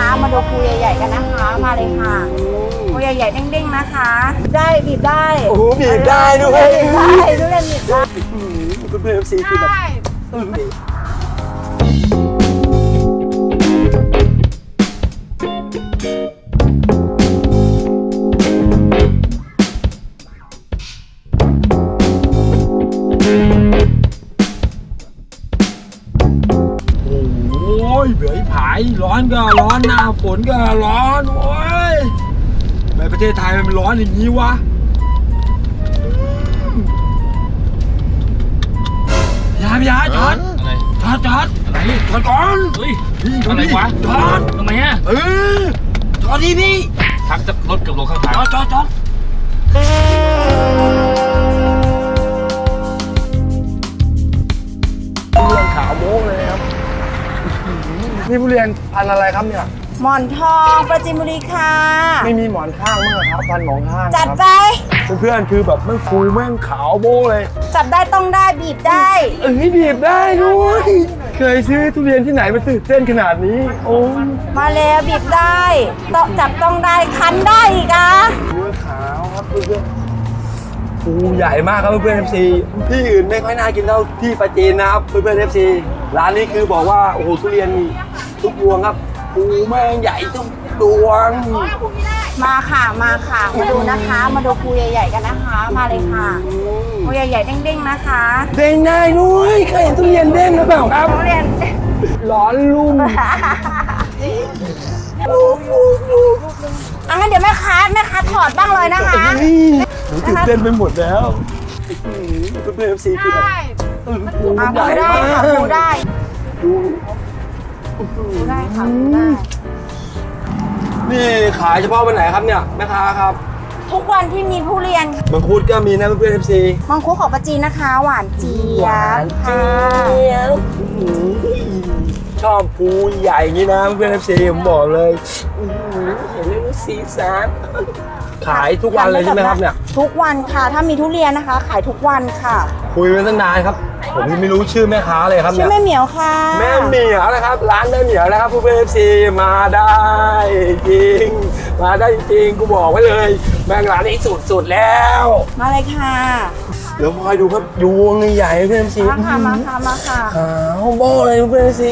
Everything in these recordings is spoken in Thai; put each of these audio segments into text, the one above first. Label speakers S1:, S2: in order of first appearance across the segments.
S1: นะคะมาดูภูใหญ่ๆกันนะคะมาเลยค่ะภูใหญ่ๆเด้งๆนะคะได้บีบได้
S2: โอ้โหบีบได้ด้วย
S1: บีบได้ทุเรียนบีบได้
S2: คุณเพื่อนซีคือแบบโอ้ยเบื่อผายร้อนก็ร้อนหน้าฝนก็ร้อนโอ้ยในประเทศไทยมันร้อนอย่างนี้วะอย่าจอดจอดอะไรจอดก่อน
S3: เฮ้ย
S2: อะไรวะจอด
S3: ทำไมอ่ะ
S2: จอดดิพี่
S3: ทักจะรถกับลงข้างทาง
S2: จอดทุเรียนขาวโม้เลยครับนี่ทุเรียนพันธุ์อะไรครับเนี่ย
S1: หมอนทองปราจีนบุรีค่ะ
S2: ไม่มีหมอนข้างมั้งครับพันธุ์หมอนข้าง
S1: จัดไป
S2: เพื่อนๆคือแบบมันฟูแม่งขาวโบ้เลย
S1: จับได้ต้องได้บีบได้
S2: บีบได้ด้วยเคยซื้อทุเรียนที่ไหนมาตื่นเต้นขนาดนี้โอ้
S1: มาแล้วบีบได้ต้องจับต้องได้คันได้อีกอ่ะ
S2: เนื้อขาวครับเพื่อนๆฟูใหญ่มากครับเพื่อนๆ FC ที่อื่นไม่ค่อยน่ากินเท่าที่ปราจีนนะครับเพื่อนๆ FC ร้านนี้คือบอกว่าโอ้โหทุเรียนทุกดวงครับฟูแม่งใหญ่ทุกดวง
S1: มาค่ะมาดูนะคะมาดูภูใหญ่ๆกันนะคะมาเลยค่ะภูใหญ่ๆเด้งๆนะคะ
S2: เด้งได้ด้วยเคยเห็นทุเรียนเด้งหรือเปล่าครับ
S1: ทุเรียน
S2: ร้อนลุ่ม
S1: งั้นเดี๋ยวแม่ค้าถอดบ้างเลยนะคะ
S2: หนูตื่นเต้นไปหมดแล้วเพื่อนๆ FC คือแบบ
S1: ภูได้ค่ะภูได้ค่ะภูได้
S2: นี่ขายเฉพาะวันไหนครับเนี่ยแม่ค้าครับ
S1: ทุกวันที่มีทุเรียน
S2: มังคุดก็มีนะเพื่อนๆ FC
S1: มังคุดของปราจีนนะคะหวานเจี๊ยบค่ะ
S2: ชอบภูใหญ่อย่างนี้นะเพื่อนๆ FC ผมบอกเลยเห็นเรื่องสีสันขายทุกวันเลยใช่ไหมครับเนี่ย
S1: ทุกวันค่ะถ้ามีทุเรียนนะคะขายทุกวันค่ะ
S2: คุยกันตั้งนานครับผมไม่รู้ชื่อแม่ค้าเลยครับ
S1: ชื่อแม่เหมียวค่ะ
S2: แม่เหมียวนะครับร้านแม่เหมียวนะครับเพื่อนๆ FC มาได้จริงมาได้จริงกูบอกไว้เลยแม่งร้านนี้สุดแล้ว
S1: มาเลยค่ะ
S2: เดี๋ยวคอยดูครับยวงใหญ่เพื่อนๆ FC
S1: มาค่ะ
S2: ขาวโบ้เลยเพื่อนๆ FC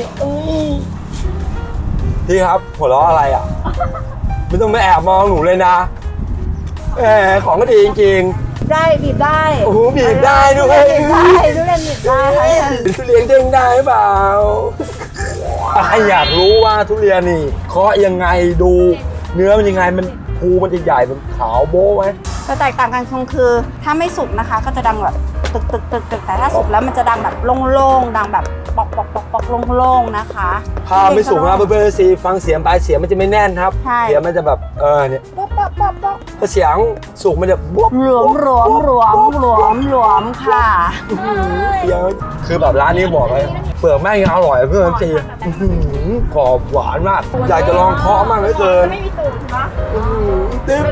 S2: พี่ครับหัวเราะอะไรอ่ะไม่ต้องมาแอบมองหนูเลยนะของก็ดีจริง
S1: ๆได้บีบได้
S2: โอ้โหบีบได้ด้วย
S1: บีบได้ทุเรียนบีบได้
S2: ทุเรียนเด้งได้เปล่าใครอยากรู้ว่าทุเรียนนี่เคาะยังไงดูเนื้อมันยังไงมันภูมันจะใหญ่เป็นขาวโบ้ไหม
S1: จะแตกต่างกันคือถ้าไม่สุกนะคะก็จะดังแบบตึกแต่ถ้าสุกแล้วมันจะดังแบบโล่งๆดังแบบปอกโล่งๆนะคะ
S2: ถ้าไม่สุกนะเพื่อนๆ ซีฟังเสียงปลายเสียงมันจะไม่แน่นครับเสียงมันจะแบบเนี่ยถ้าเสียงสุกมันจะ
S1: หลวมค่ะ
S2: เสียงคือแบบร้านนี้บอกเลยเปลือกแม่งยังอร่อยเพื่อนๆ ซีกรอบหวานมากอยากจะลองเคาะมากเลยเกินไม่มีตุ่มนะตึ๊บ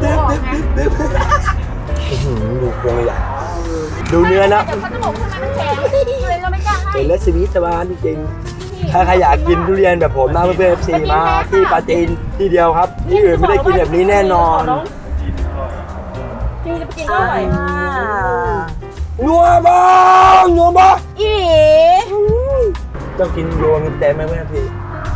S2: ดูพวงใหญ่ดูเนื้อนะเป็นเลสวิตสบานจริงๆถ้าใครอยากกินทุเรียนแบบผมนะเพื่อนๆ FC มาที่ปราจีนที่เดียวครับที่อื่นไม่ได้กินแบบนี้แน่นอน
S1: จริงจะไปกินก็อร่อย
S2: นัวบ้า
S1: อี
S2: ต้องกินรวมเต็มไหมเพื่อนพี่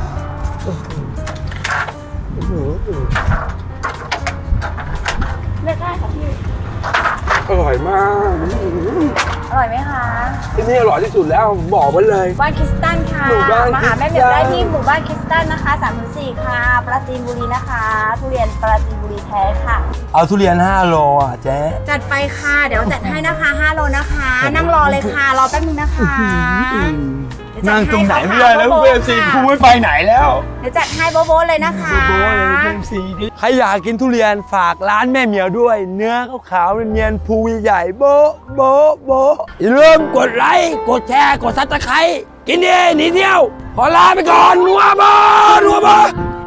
S1: เลือกได้ค่ะพี่
S2: อร่อยมาก
S1: อร่อยไหมคะ
S2: ที่นี่อร่อยที่สุดแล้วบอกไว้เลย
S1: บ้านคริสตันค่ะมาหาแม่เหมียวได้ที่หมู่บ้านคริสตันนะคะ3-4ค่ะปราจีนบุรีนะคะทุเรียนปราจีนบุรีแท้ค่ะ
S2: เอาทุเรียน5 โลอ่ะเจ๊
S1: จัดไปค่ะเดี๋ยวจัดให้นะคะ5 โลนะคะนั่งรอเลยค่ะรอแป๊บนึงนะคะ
S2: นั่งตรงไหนไม่ได้แล้วเพื่อนซีกูไม่ไปไหนแล้ว
S1: เดี๋ยวจัดให้โบ๊ะเลยนะคะ
S2: โบ๊ะเลยเพื่อนซีใครอยากกินทุเรียนฝากร้านแม่เหมียวด้วยเนื้อขาวๆเนียนๆภูใหญ่โบ๊ะอย่าลืมกดไลค์กดแชร์กดซับสไครบ์กินดีหนีเที่ยวขอลาไปก่อนนัวบ้า